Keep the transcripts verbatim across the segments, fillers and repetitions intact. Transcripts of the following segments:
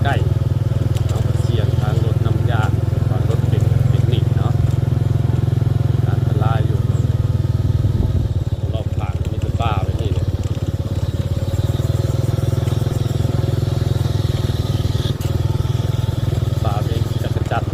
ใกล้เอาเสียงทางรถน้ำยาทางรถเป็นเป็นนิดเนาะอันตรายอยู่รอบผ่านมีแต่ป้าไว้นี่เลยป้าเป็นจักรจัด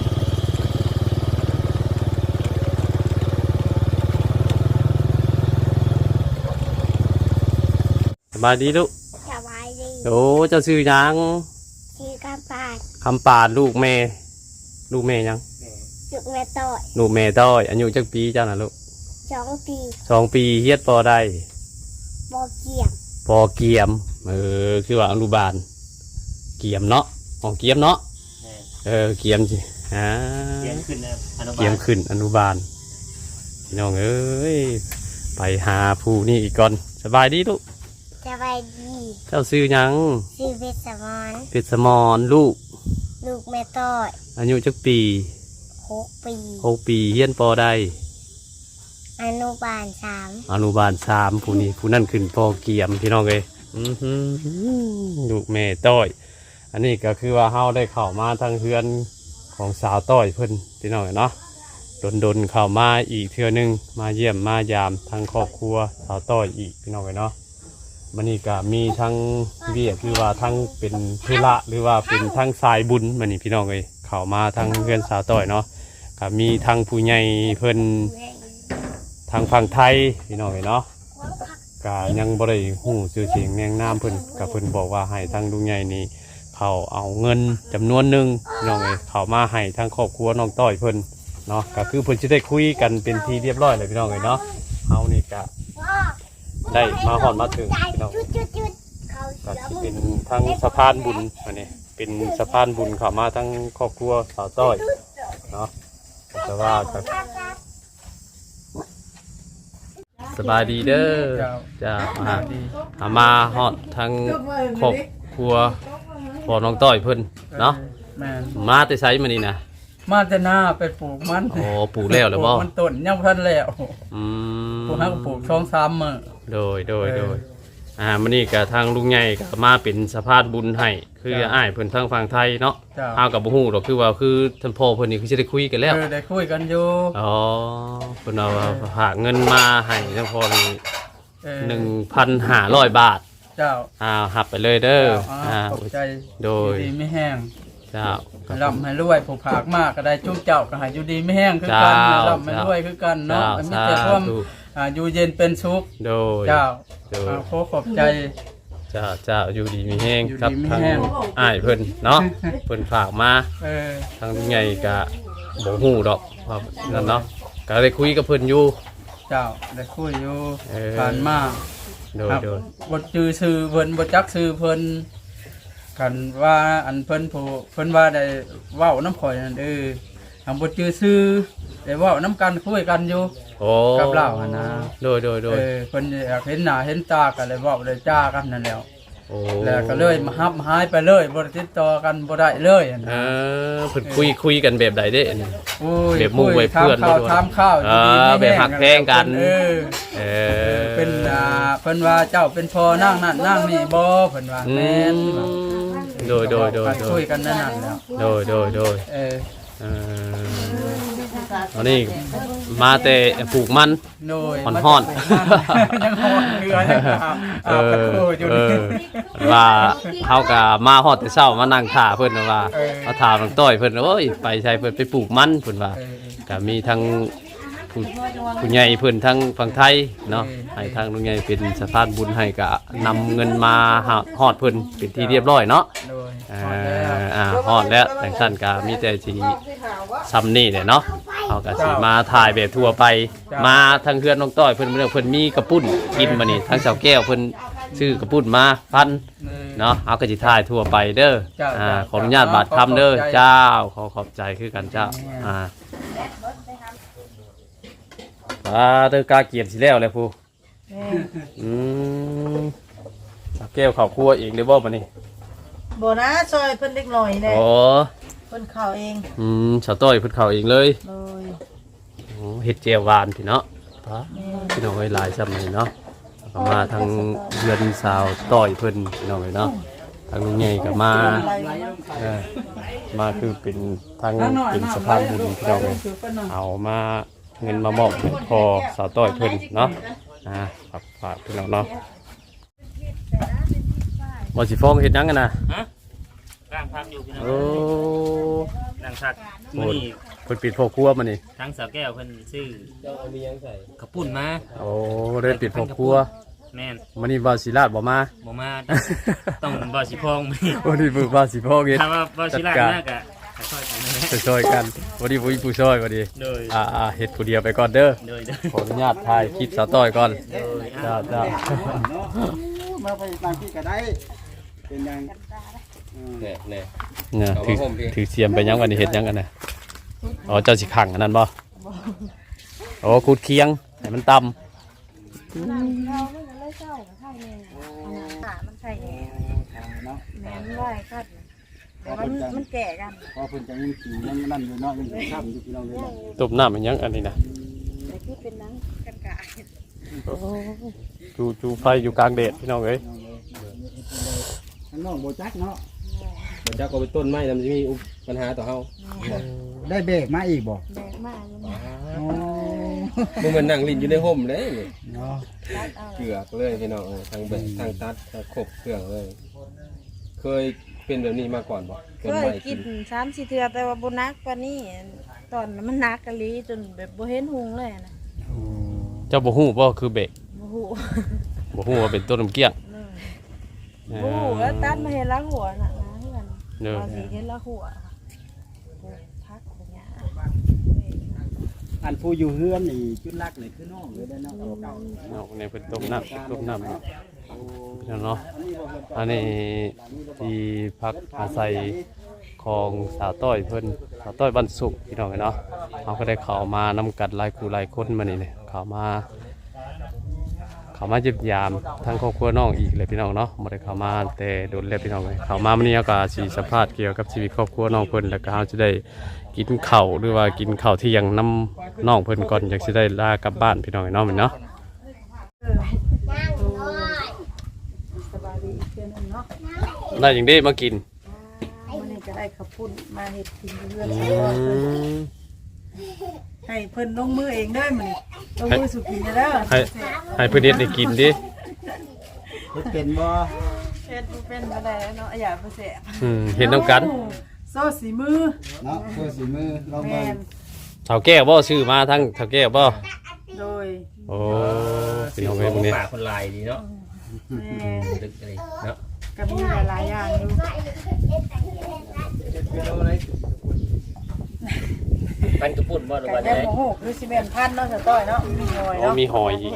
สบายดีลูกสบายดีโอ้เจ้าชื่อยังชื่อกำปาดคำปาดลูกแม่ลูกแม่ยังลูกแม่ต่อยลูกแม่ต้อยอายุจักปีเจ้าน่ะลูกสองปีสองปีเฮียดปอได้บอเกียมปอเกียมเออคือว่าอนุบาลเกียมเนาะของเกียมเนาะเออเกียมสิฮะเกียมขึ้นนะอนุบาลเกียมขึ้นอนุบาลพี่น้องเอ้ยไปหาผู้นี่อีกก่อนสบายดีลูกสบายดีเจ้าซื้อยังชื่อเพชรสมรเพชรสมรลูกลูกแม่ต้อยอายุจักปีหกปีหกปีเฮียนปอได้อนุบาลสามอนุบาลสามผู้นี้ผู้นั่นขึ้นปอเกียมพี่น้องเลยลูกแม่ต้อยอันนี้ก็คือว่าเฮาได้เข้ามาทางเฮือนของสาวต้อยเพิ่นพี่น้องเนาะดนๆเข้ามาอีกเทื่อนึงมาเยี่ยมมายามทางครอบครัวสาวต้อยอีกพี่น้องเนาะมันนี่ก็มีทั้งเวียคือว่าทั้งเป็นธุระหรือว่าเป็นทั้งสายบุญมันนี่พี่น้องเลยเข้ามาทางเฮือนสาวต้อยเนาะก็มีทั้งผู้ใหญ่เพิ่นทางฝั่งไทยพี่น้องเนาะก็ยังบ่ได้ฮู้ชื่อเสียงแนงนามเพิ่นก็เพิ่นบอกว่าให้ทางลุงใหญ่นี่เขาเอาเงินจำนวนหนึ่งพี่น้องเอ้ยเขามาให้ทางครอบครัวน้องต้อยเพิ่นเนาะก็คือเพิ่นจะได้คุยกันเป็นทีเรียบร้อยเลยพี่น้องเอ้ยเนาะเฮานี่ก็ได้มาฮอดมาถึงพี่น้องก็สิเป็นทางสะพานบุญอันนี้เป็นสะพานบุญเข้ามาทางครอบครัวสาวต้อยเนาะแต่ว่าก็สบายดีเด้อจ้ามาอามาฮอดทางครอบครัวพ่อน้องต้อยเพิ่นเนาะมาแต่ไสมานี่นะมาแต่หน้าไปปลูกมันโอ้ปลูกแล้วหรือบ่มันต้นยังพันแล้วอืมปลูกให้ปลูกช่องซ้ำมื้อโดยโดยโดยอ่ามื้อนี้ก็ทางลุงใหญ่ก็มาเป็นสะพานบุญให้คืออ้ายเพิ่นทางฝั่งไทยเนาะเฮาก็บ่ฮู้ดอกคือว่าคือท่านพ่อเพิ่นนี่คือสิได้คุยกันแล้วเออได้คุยกันอยู่อ๋อเพิ่นเอาฝากเงินมาให้ท่านพ่อนี่หนึ่งพันห้าร้อยบาทเจ้าอ่าหับไปเลยเด้ออ่าใจโดยดีไม่แห้งเจ้าร่ำให้รวยผู้ผากมากก็ได้จุ้มเจ้าก็ให้อยู่ดีไม่แห้งคือกันร่ำให้รวยคือกันเนาะมีแต่ความอ่าอยู่เย็นเป็นสุขโดยเจ้าขอขอบใจเจ้าเจ้าอยู่ดีมีแห้งครับทางอ้ายเพิ่นเนาะเพิ่นฝากมาทางใหญ่ก็บ่ฮู้ดอกว่านั่นเนาะก็ได้คุยกับเพิ่นอยู่เจ้าได้คุยอยู่ผ่านมาโดยโดยบ่จื้อชื่อเพิ่นบ่จักชื่อเพิ่นกันว่าอันเพิ่นผู้เพิ่นว่าได้เว้าน้ำข่อยนั่นเออทำบ่จื้อชื่อได้เว้าน้ำกันคุยกันอยู่กับเล่าหั่นนะโดยโดยโดยเออเพิ่นอยากเห็นหน้าเห็นตากันเลยเว้าได้จ้ากันนั่นแล้วแล้วก็เลยมาฮับหายไปเลยบ่ได้ติดต่อกันบ่ได้เลยอั่นเออเพิ่นคุยคุยกันแบบใดเด้อันนี้แบบหมู่ไว้เพื่อนบ่ถามข้าวเออแบบฮักแพงกันเออเออเป็นอ่าเพิ่นว่าเจ้าเป็นพ่อนางนั่นนางนี่บ่เพิ่นว่าแม่นโดยโดยโดยคุยกันนั่นน่ะแล้วโดยโดยโดยเออเอออันนี้มาแต่ปลูกมันห่อนห่อนยังห่อนเรือยังเอออยู่นี่ว่าเฮาก็มาฮอดแต่เช้ามานั่งท่าเพิ่นว่ามาถามน้องต้อยเพิ่นโอ้ยไปใช้เพิ่นไปปลูกมันเพิ่นว่าก็มีทั้งผู้ผู้ใหญ่เพิ่นทั้งฝั่งไทยเนาะให้ทางลุงใหญ่เป็นสะพานบุญให้ก็นำเงินมาฮอดเพิ่นเป็นที่เรียบร้อยเนาะอ่าอ่าฮอดแล้วแต่ท่านก็มีแต่สิซ้ำนี่แหละเนาะเฮาก็สิมาถ่ายแบบทั่วไปมาทางเฮือนน้องต้อยเพิ่นเพิ่นมีกระปุ้นกินมานี่ทางสาวแก้วเพิ่นซื้อกระปุ้นมาพันเนาะเฮาก็สิถ่ายทั่วไปเด้ออ่าขออนุญาตบาดคำเด้อเจ้าขอขอบใจคือกันเจ้าอ่าอ่าเด้อกาเกียรติสิแล้วเลยผู้อืมแก้วข้าวคั่วเองได้บ่บัดนี้บ่นะซอยเพิ่นเล็กน้อยแน่อ๋อเพิ่นเข้าเองอืมชาวต้อยเพิ่นเข้าเองเลยเลยโอ้เฮ็ดแจ่วหวานพี่เนาะพะพี่น้องเอ้ยหลายซ้ำนี่เนาะมาทางเรือนสาวต้อยเพิ่นพี่น้องเอ้ยเนาะทางลุงใหญ่ก็มาเออมาคือเป็นทางเป็นสะพานบุญพี่น้องเลยเอามาเงินมามอบให้พ่อสาวต้อยเพิ่นเนาะอ่าฝากฝากพี่น้องเนาะบ่สิฟ้องเฮ็ดหยังกันนะฮะร่างพักอยู่พี่น้องโอ้ร่างพักโหมื้อนี้เพิ่นปิดพ่อครัวมานี่ทั้งสาวแก้วเพิ่นซื้อเจ้ามียังใส่กระปุ่นมาโอ้ได้ปิดพ่อครัวแม่นมานี่ว่าสิลาดบ่มาบ่มา ต้องบ่สิพองมื้อนี้วันนี้มือว่าสิพ่อเฮ็ดถ้าว่าบ่สิลาดมากอะก็ช่วยกันนะจะช่วยกันวันนี้ผู้ผู้ช่วยวันนี้โดยอ่าอ่าเฮ็ดผู้เดียวไปก่อนเด้อโดยโดยขออนุญาตถ่ายคลิปสาวต้อยก่อนโดยจ้าอ่ะจ้ามาไปบางที่ก็ได้ เป็นยังเนี่ยเนี่ยเนี่ยถือถือเสียมไปยังวันนี้เฮ็ดยังกันนะอ๋อเจ้าสิขังอันนั้นบ่โอ้คูดเคียงให้มันต่ำมันใช่แน่เนาะแม่นไว้คัดแต่มันมันแก่กันพอเพิ่นจะยังขี่ยังนั่นอยู่เนาะยังข้ามอยู่พี่น้องเลยต้มน้ำมันยังอันนี้นะแต่คือเป็นหนังกันกายจูจูไฟอยู่กลางแดดพี่น้องเอ้ยข้างนอกโบจักเนาะเจ้าก็ไปต้นไม้ทำจะมีปัญหาต่อเฮาได้เบรกมาอีกบ่แบกมากเลยอ๋อบ่แม่นนั่งลิ้นอยู่ในห่มเลยนี่เนาะเกือกเลยพี่น้องเออทางเบิ่งทางตัดทางครบเครื่องเลย เคยเป็นแบบนี้มาก่อนบ่ต้นเคยไม้กินสามสี่เทื่อแต่ว่าบ่นักกว่านี้ตอนนั้นมันนักกะลีจนแบบบ่เห็นหุงเลยนะเจ้าบ่ฮู้บ่คือเบรกบ่ฮู้บ่ฮู้ว่าเป็นต้นน้ำเกี้ยงบ่ฮู้แล้วตัดมาเห็นละหัวน่ะนะเพื่อนเด้อพอสิเห็นละหัวปลูกพักอย่างเงี้ยอันผู้อยู่เฮือนนี่จุดลักนี่คือน้องเลยได้เนาะเก่าเอาในเพิ่นต้มน้ำต้มน้ำพี่น้องเนาะอันนี้ที่พักอาศัยของสาวต้อยเพิ่นสาวต้อยบ้านสุขพี่น้องเนาะเขาก็ได้เข้ามานำกัดหลายคู่หลายคนมานี่เนี่ยเข้ามาเข้ามาเยี่ยมยามทั้งครอบครัวน้องอีกเลยพี่น้องเนาะบ่ได้เข้ามาแต่โดนแล้วพี่น้องเลยเข้ามามื้อนี้เราก็สิสัมภาษณ์เกี่ยวกับชีวิตครอบครัวน้องเพิ่นแล้วก็เราจะได้กินข้าวหรือว่ากินข้าวเที่ยงนำน้องเพิ่นก่อนอยากสิได้ลากลับบ้านพี่น้องเนาะแม่นเนาะสบายดีอีกเทื่อนึงเนาะได้อย่างนี้มากินวันนี้ก็ได้ข้าวปุ้นมาเฮ็ดกินเพื่อนอืใช้ว่าเพิ่นมให้เพิ่นลงมือเองเด้อมื้อนี้ลงมือสุกินเด้อให้ให้เพื่อนเด็ดได้กินดิเฮ็ดเป็นบ่เฮ็ดบ่เป็นบ่ได้เนาะอย่าบ่แซ่บอืมเห็นน้ำกันโซ่สีมือเนาะตัวสีมือลองแม่เบิ่งนเท่าแก้วบ่ซื้อมาทั้งเท่าแก้วบ่โดยโอ้พี่น้องเอ้ยพวกนี้ป่าคนลายดีเนาะแม่นดึกอะไรเนาะก็มีหลายๆอย่างอยู่ปันกระปุ่นบ่หรือก็ว่าได้ได้โมโหคือสิแม่นพันเนาะสะต้อยเนาะมีหอยอ๋อเนาะมีหอยอีก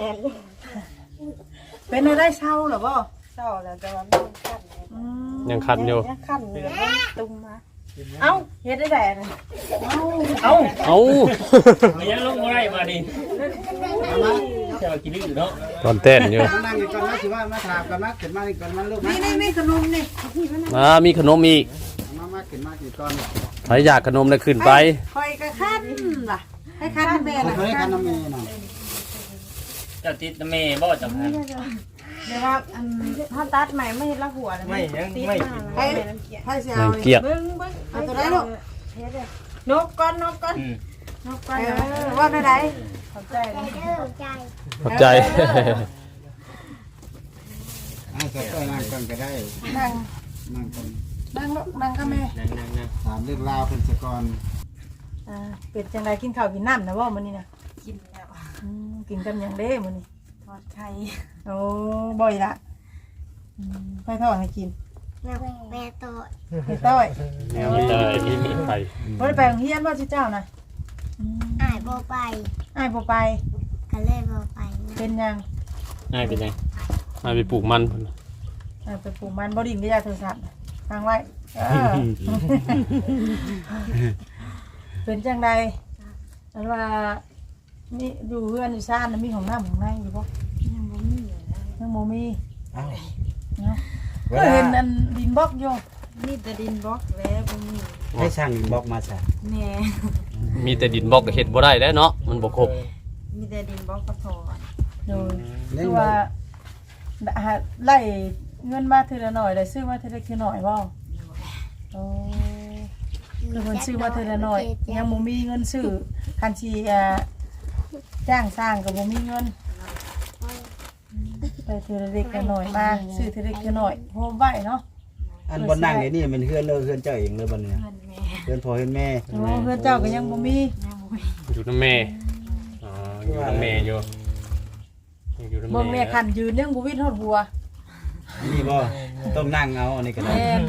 เป็นได้เช่าเหรอบ่เช่าแล้วแต่ว่ามันคันอืมยังคันอยู่ยังคันเหลือมันตุ้มมาเอ้าเฮ็ดได้แต่นะเอ้าเอ้าเอ้ามันยังลงบ่ได้มาดิเจ้ากินอยู่เนาะตอนเต้นอยู่มานั่งอยู่ก่อนนะสิว่ามาถามกันมาขึ้นมานี่ก่อนมันลูกนี่นี่มีขนมนี่อ่ามีขนมอีกมามาขึ้นมากี่ก่อนใครอยากขนมได้ขึ้นไปคอยก็คันล่ะให้คันแม่เพิ่นน่ะเคยคันน้ำเมย์น่ะเจ้าติดแม่บ่จำพันเดี๋ยวว่าอันถ้าตัดใหม่ไม่เห็นละหัวเลยไม่ยังติดไม่มาให้ให้เสียยัเอางเกลียดเบิ้งเบิ้งเอาตัวได้ลูกเฮ็ดเลยนกก้อนนกก้อนอืมนกก้อนว่าได้ไดขอบใจนะเด้อใจขอบใจอ่าสักก็นั่งก่อนก็ได้นั่งนั่งก่อนนั่งลูกนั่งกับแม่นั่งนั่งนั่งถามเรื่องราวเพิ่นซะก่อนอ่าเป็ดจังไดกินข้าวกินน้ำนะว่ามื้อนี้นะกินแล้วอืมกินกับหยังเด้มื้อนี้ทอดไข่โอ้บ่อยละอืมไปทอดให้กินนักแม่โตดเฮ็ดต้อยแนวนี้เลยมีมีไข่บ่ได้ไปโรงเรียนบ่สิเจ้านะอืมอ้ายบ่ไปอ้ายบ่ไปก็เลยบ่ไปนะเป็นหยังง่ายเป็นไงมาไปปลูกมันพุ่นอ้ายไปปลูกมันบ่ดินก็อย่าโทรศัพท์ฟังไว้เออ เป็นจังใดอันว่ามีอยู่เฮือนอยู่ซ่านน่ะมีของน้ำของในอยู่บ่ยังบ่มียังบ่มีอ้าวเนาะก็เห็นอันดินบล็อกอยู่มีแต่ดินบล็อกแล้วบ่มีให้ช่างบอกมาซะแหน่มีแต่ดินบอกก็เฮ็ดบ่ได้แล้วเนาะมันบ่ครบมีแต่ดินบล็อกกระถอนโดยเล่คืนอว่าว่าหาไล่เงินมาทีละหน่อยได้ซื้อมาทีละคือหน่อยบ่โอ้แล้วมันซื้อมาทีละหน่อยยังบ่มีเงินซื้อคันสิอ่าจ้างสร้างก็บ่มีเงินไปทีละเล็กละหน่อยมาซื้อทีละเล็กละหน่อยโฮมไว้เนาะอันบนนั่งนี่นี่มันเฮือนเลยเฮือนเจ้าเองเลยบนเนี่ยเฮือนพ่อเฮือนแม่โอ้เพื่อนเจ้าก็ยังบ่มีอยู่น้ำแม่อ๋ออยู่น้ำแม่อยู่อยู่น้ำเบิ่งแม่แม่คันยืนยังบ่วิดฮอดหัวนี่บ่ต้องนั่งเอาอันนี้ก็ได้แม่น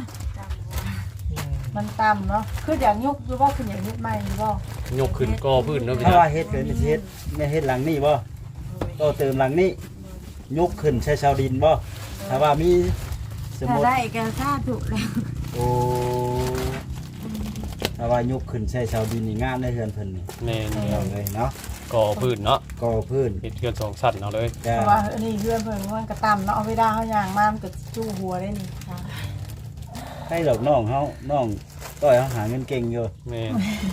มันต่ำเนาะคืออยากยกหรือว่าคืออยากยกใหม่หรือบ่ยกขึ้นกอพื้นเนาะพี่ถ้าน้องว่าเฮ็ดเกินเฮ็ดแม่เฮ็ดหลังนี่บ่ก็เติมหลังนี้ยกขึ้นใช้ชาวดินบ่ถ้าว่ามีสมถ้ามุติได้ก็ถ้าถูกแล้วโอ้ถ้าว่ายกขึ้นใช้ชาวดินนี่งามได้เฮือนเพิ่นนี่แม่นเอาเลยเนาะกอพื้นเนาะก่อพื้นเฮ็ดเทือนสองชั้นเอาเลยจ้าเพราะว่าอันนี้เพื่อนเพิ่นมันก็ต่ำเนาะเอาเวลาเฮาย่างมามันก็จู้หัวได้นี่ค่ะให้ดอกน้องเฮาน้องต้อยเฮาหาเงินเก่งอยู่แม่น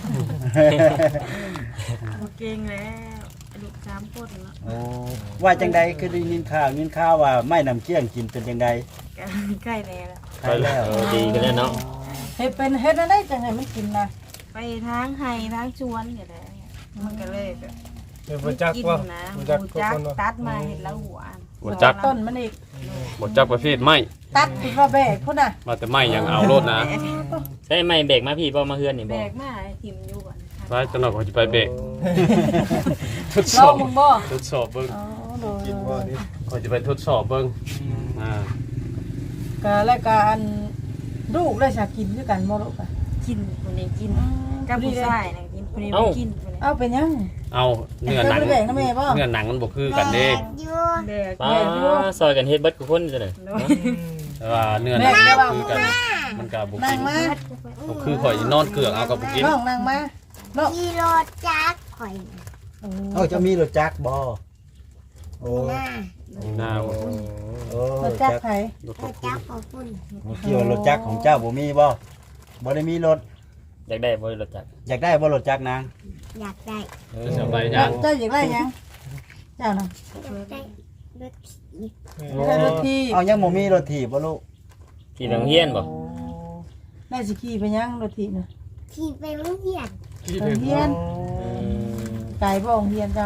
บ่เก่งแล้วลูกสามคนเนาะโอ้ว่าจังใดคือได้ยินข่าวยินข่าวว่าไม่นำเกี้ยงกินเป็นจังใดก็ใกล้แล้วใครแล้วเออดีกันแล้วเนาะเฮ็ดเป็นเฮ็ดอะไรจังไห้มันกินนะไปทางไห้ทางชวนนี่แหละมันก็เลยแบบเดี๋ยวบ่จักกินว่านะบ่บ่จัจักกก็คนว่าตัดมาเห็นแล้วหัวอันบ่จักต้นมันอีกบ่จักประเภทไม้ตัดคิดว่าแบกพุ่นน่ะมาแต่ไม้ยังเอาโลดนะใช่ไหมเบรกมาพี่บ่มาเฮือนนี่แบบ่กมาให้ทิ่มอยู่ก่อนค่ะไปจังหน่อยเขาจะไปเบรกทดสลออง บมึงบ่ทดสอบเบิ่งอ๋อโดยกินบ่นี่เขาจะไปทดสอบเบิ่งอ่าก็แล้วก็อันลูกได้สากินด้วยกันบ่ลูกอ่ะกินคนนี้กินกับผู้ชายนะกินคนนี้บ่กินคนนี้เอาเป็นยังเอาเนื้อหนังเจ้าบ่ได้แบ่งนะแม่บ่เนื้อหนังมันบ่คือกันเด้แบกอยู่แบกป้าซอยกันเฮ็ดเบิดทุกคนจังได๋แต่ว่าเนื้อหนังมันบ่คือกันมันก็บ่นั่กิงนมาบ่คือข่อยนอนเกลือกเอากับบ่กินน้องนั่งมาน้องขี่รถจักรข่อยเอ้าจะมีรถจักรบ่โอ้หน้าหน้าบ่โอ้รถจักรไผรถรถจักรของคุณเกี่ยวรถจักรของเจ้าบ่มีบ่บ่ได้มีรถอยากได้บ่รถจักรอยากได้บ่รถจักรนางอยากได้เออสบายยังเจ้าอยากได้ยังเจ้าน่ะอยากได้รถขี่ได้รถที่เอายังบ่มีรถถีบบ่ลูกที่โรงเรียนบ่ได้สิขี่ไปยังรถที่น่ะขี่ไปโรงเรียนโรงเรียนไกลบ่โรงเรียนเจ้า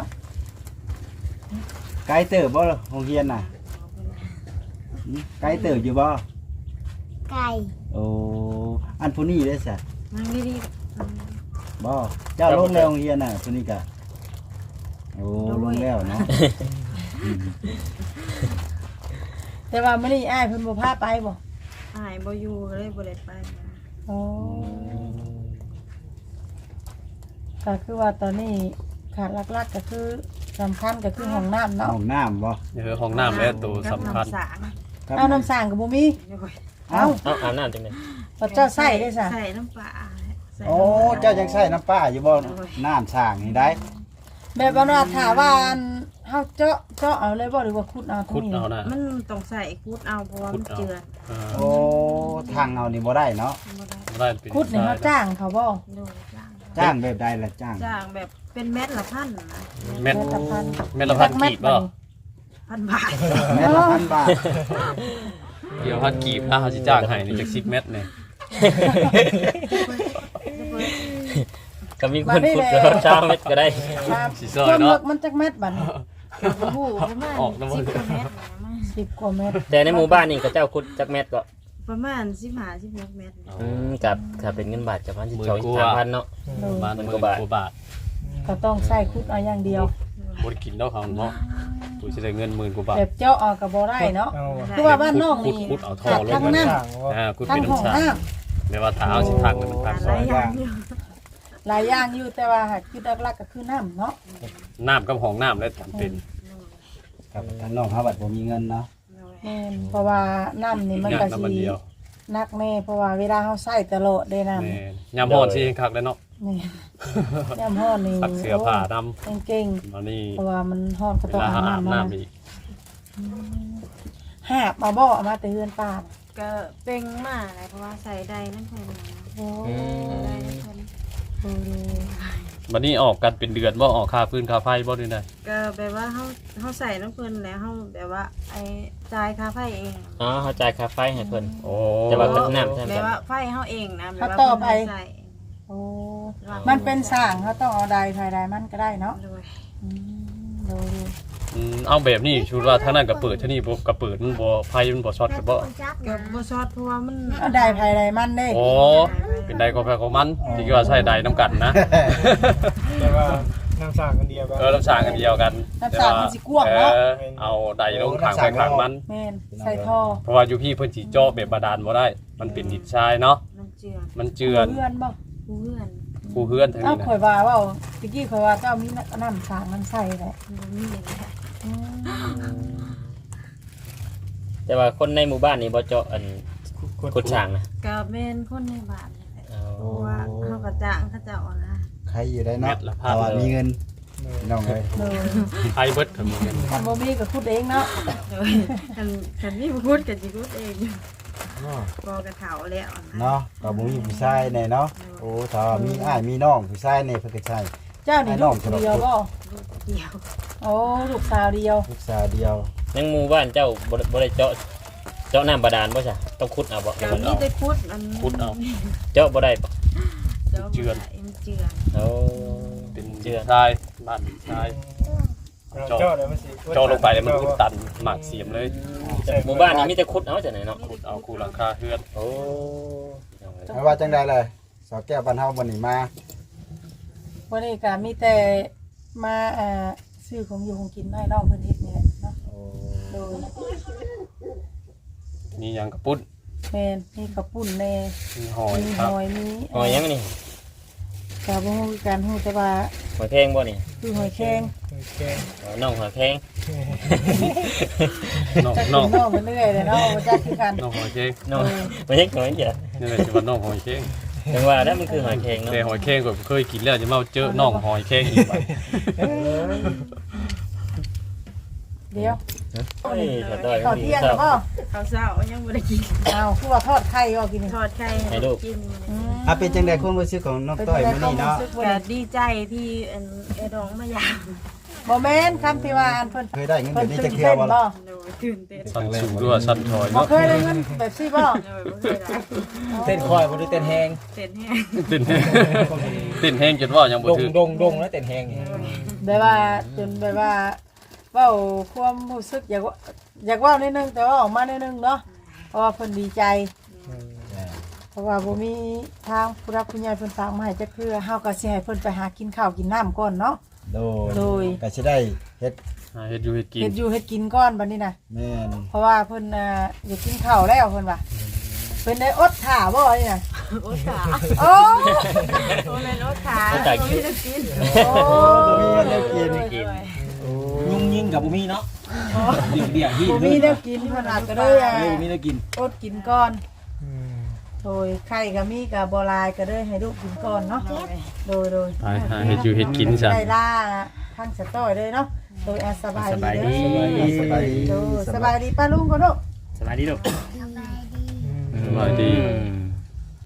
ไกลเติบบ่โรงเรียนน่ะหืมไกลเติบอยู่บ่ไก่โอ้อันผู้นี้ได้ซะมันดีบ่เจ้าลงแล้วโรงเรียนน่ะผู้นี้ก็โอ้ลงแล้วเนาะแต่ว่ามื้อนี้อ้ายเพิ่นบ่พาไปบ่ๆหายบ่อยู่ก็เลยบ่ได้ไปนะโอ้ก็คือว่าตอนนี้ขาดหลักๆก็คือสำคัญก็คือห้องน้ำเนาะห้องน้ำบ่เออห้องน้ำแล้วตัวสำคัญกับน้ำสางครับเอาน้ำสร้างก็บ่มีเดี๋ยวก่อนเอ้าเอ้าเอ้าอาบน้ำจังได๋พระเจ้าใส่ได้ซะใส่น้ำปลาใส่โอ้เจ้ายังใช้น้ำป้าอยู่บ่น้ำสร้างนี่ได้แบบว่าน่ะถามว่าอันเฮาเจาะเจาะเอาเลยบ่หรือว่าขุดเอาตรคุดงนี้เอานะมันต้องใส่กูดเอาเพราะว่ามันเจือนเออโอ้ทางเอานี่บ่ได้เนาะบ่ได้บ่ได้เป็นขุดนี่เฮาจ้างเขาบ่ดูจ้างจ้างแบบใดล่ะจ้างจ้างแบบเป็นเม็ดละพันนะเม็ดเม็ดละพันเม็ดละพันกีบบ่พันบาทเม็ดละพันบาทเดี๋ยวพันกีบถ้าเขาสิจ้างให้นี่จักสิบเม็ดนี่ก็มีคนพูดแล้วชาวเม็ดก็ได้ครับสิซอยความเนาะลึกมันจักเม็ดบัดนี้โอ้โหประมาณออกน้ำมันสิบกว่าเม็ดนะมั้งสิบกว่าเม็ดแต่ในหมู่บ้านนี่ก็เจ้าขุดจักเม็ดก็ประมาณสิบห้าสิบหกเม็ดนะอืมกับถ้าเป็นเงินบาทก็ประมาณสิบสอง สามพันเนาะโดยบ้านหมื่เมืนอกว่าบาทว่าบาทก็ต้องใส่ขุดเอาอย่างเดียวบ่ได้กินดอกเขาเนาะตัวสิได้เงินหมื่นกว่าบาทแบบเจาะเอาก็บ่ได้เนาะเอาคือว่าบ้านนอกนี่ขุดๆเอาท่อขาดลงทั้งมาน้สร้างว่าอ่าขุดำทั้เป็งนห้องน้ำชาน้แม่ว่าถ้าเอาสิพักมันพักหลายอย่างอยู่ำหลายอย่างอยู่แต่ว่าคือหลักๆก็คือน้ำเนาะน้ำกับห้องน้ำแล้วจำเป็นครับทางน้องเฮาบัดบ่มีเงินเนาะแม่นเพราะว่าน้ำนี่มันงาก็นน้ำมันสิเดียวนักแน่เพราะว่าเวลาเฮาใส่ตลอดได้น้ำแม่ยามฮ้อนสิคักแล้วเนาะนี่ยามฮ้อนนี่ซักเสื้อผ้าดโอ้ยเก่งำมานี่ๆเพราะว่ามันฮ้อนก็เวต้องลาอาบอาบน้ำมาน้ำอีกหาบมาบ่เอามาแต่เฮือนป้าน่ะก็เป่งมากเลยเพราะว่าใส่ได้นั่นเพิ่นนะโอ้อืมได้นั่นเพิ่นโหบัดนี้ออกกันเป็นเดือนบ่ออกค่าพื้นค่าไฟบ่ได้ได้ก็แบบว่าเฮาเฮาใส่น้ำเพิ่นแล้วเฮาแบบว่าไอ้จ่ายค่าไฟเองอ๋อเขาจ่ายค่าไฟให้เพิ่นโอ้แต่ว่าเพิ่นน้ำใช่ไหมแบบว่าไฟเฮาเองนะแบบเขาว่าต่อไปเพิ่นใส่โอ้มันเป็นสร้างเขาต้องเอาใดภายใดมันก็ได้เนาะโดยอืมดูอืมเอาแบบนี้ชูว่าทางนั้นก็เปิดที่นี่บ่ก็เปิดมันบ่ไฟมันบ่ช็อตก็บ่จับก็บ่ซอดเพราะว่ามันเอาใดภายใดมันเด้โอ้เป็นใดก็แพ้ของมันที่ว่าใช้ใดน้ำกันนะแต่ว่าน้ำสร้างกันเดียวกันเออน้ำสร้างกันเดียวกันน้ำสร้างมันสิกว้างเนาะออเอาใดลงข้างไปข้างมันแม่นใส่ท่อเพราะว่าอยู่พี่เพิ่นสิเจาะแบบบาดาลบ่ได้ มันเป็นดินทรายเนาะมันเจือนมันเจือนเพื่อนบ่เพื่อนผู้เฮือนทางเอ้านี้นะข่อยว่าเว่าตะกี้ข่อยว่าเจ้ามีน้ำสร้างน้ำใส่แหละบ่มีอย่างนี้อืมแต่ว่าคนในหมู่บ้านนี่บ่เจาะอันขุดช่างนะก็แม่นคนในบ้านนี่แหละเอาเพราะว่าเฮาก็จ้างเขาเจ้านะใครอยู่ได้เม็เนาะดละพันแต่ว่ามีเงินพี่น้องเอ้ยเลยไอเบิดก็มีเงินคันบ่มีก็พูดเองเนาะโดยคันคันนี่พูดก็สิพูดเองพอกระเถาแล้วนะเนาะก็บ่มีผู้ชายแน่เนาะโอ้ถ้าว่ามีอ้ายมีน้องผู้ชายแน่เพิ่นก็ใช่เจ้านี่ลูกเดียวบ่ลูกเดียวโอ้ลูกสาวเดียวลูกสาวเดียวในหมู่บ้านเจ้าบ่ได้บ่ได้เจาะเจาะน้ำบาดาลบ่ใช่ต้องขุดเอาบ่ก็มีแต่คุดมันขุดเอาเจาะบ่ได้บ่เจ้าบ่ได้มันเจือนเอาเป็นเจือนทรายบ้านดินทรายเจาะเลยมันสิเจาะลงไปแล้วมันอุดตันหมากเสียมเลยหมู่บ้านนี้มีแต่ขุดเอาจังไหนเนาะขุดเอาคูหลังคาเฮือนโอ้ไม่ว่าจังใดเลยสาวแก้วบ้านเฮาวันนี้มาวันนี้ก็มีแต่มาเอ่อซื้อของอยู่ของกินมาให้น้องเพิ่นเฮ็ดนี่แหละเนาะโดยมีหยังกระปุ้นแม่นมีข้าวปุ้นแน่มีหอยมีครัหบอยมีหอยยังนี่ก็บ่ฮู้คือกันฮู้แต่ว่าหอยแข้งบ่นี่คือหอยแครงโอเคอ๋อน้องหอยแข้งน้องจักน้องกินน้องไปเรื่อยเลยเนาะบ่จักคือกันน้องหอยเค้งน้องบ่ใช่หอยเด้อนี่แหละที่ว่าน้องหอยเค้งจังว่าแล้วมันคือหอยแข้งเนาะแต่หอยเค้งก็เคยกินแล้วจะมาเจอน้องหอยเค้งอีกบัดเดี๋ยวเฮ้ยขอโทษข้าวเที่ยงแล้วบ่ข้าวเช้ายังบ่ได้กินอ้าวคือว่าทอดไข่บ่กินนี่ทอดไข่ให้ลูกกินอืมอ่ะเป็นจังใดความรู้สึกของน้องต้อยมื้อนี้เนาะก็ดีใจที่อันไอ้ดองมายามบ่แม่นคำที่ว่าอันเพิ่นเคยได้เงินเพิ่เดืนอนนี้ตื่จะนเที่ยเต้วน บ่บ่โดยตื่นเต้นสั้นสูงด้วยสั้นถอยบ่เนาะเคยได้เงินแบบซี่บ่โดยบ่เคยได้เต้นคอยบ่ได้เต้นแฮงเต้นแห้งติ่นติ่นแห้งจนว่ายังบ่ดงถึงดงดงแล้วเต้นแฮงนี่แบบว่าจนแบบว่าเว้าความรู้สึกอยากว่าอยากเว้านิดนึงแต่ว่าออกมานิดนึงเนาะเพราะว่าเพิ่นดีใจ เพราะว่าบ่มีทางผู้รับผู้ใหญ่เพิ่นฝากมาให้จักเทื่อเฮาก็สิให้เพิ่นไปหากินข้าวกินน้ำก่อนเนาะโดโดยก็สิได้เฮ็ดหาเฮ็ดอยู่เฮ็ดกินเฮ็ดอยู่เฮ็ดกินก่อนบัดนี้น่ะแม่นเพราะว่าเพิ่นน่ะอยากกินข้าวแล้วเพิ่นว่าเพิ่นได้อดท่าบ่นี่น่ะโอ้ตาโอ้โอ้แม่นโอ้ขาบ่มีจะกินโอ้มีเงินได้กินกินยุ่งยิ่งกับบ่มีเนาะเบี่ยงเบี่ยงที่บ่มีแนวกินเพิ่นอาจจะได้อ่ะเออบ่มีได้กินอดกินก่อนโดยไข่ก็มีก็บ่หลายก็เลยให้ลูกกินก่อนเนาะโดยโดยไปหาเฮ็ดอยู่เฮ็ดกินซะได้ล่าทางสะต้อยเลยเนาะโดยอาสบายดีเด้อสบายดีโดยสบายดีป้าลุงก็ลูกสบายดีลูกสบายดีสบายดีอืม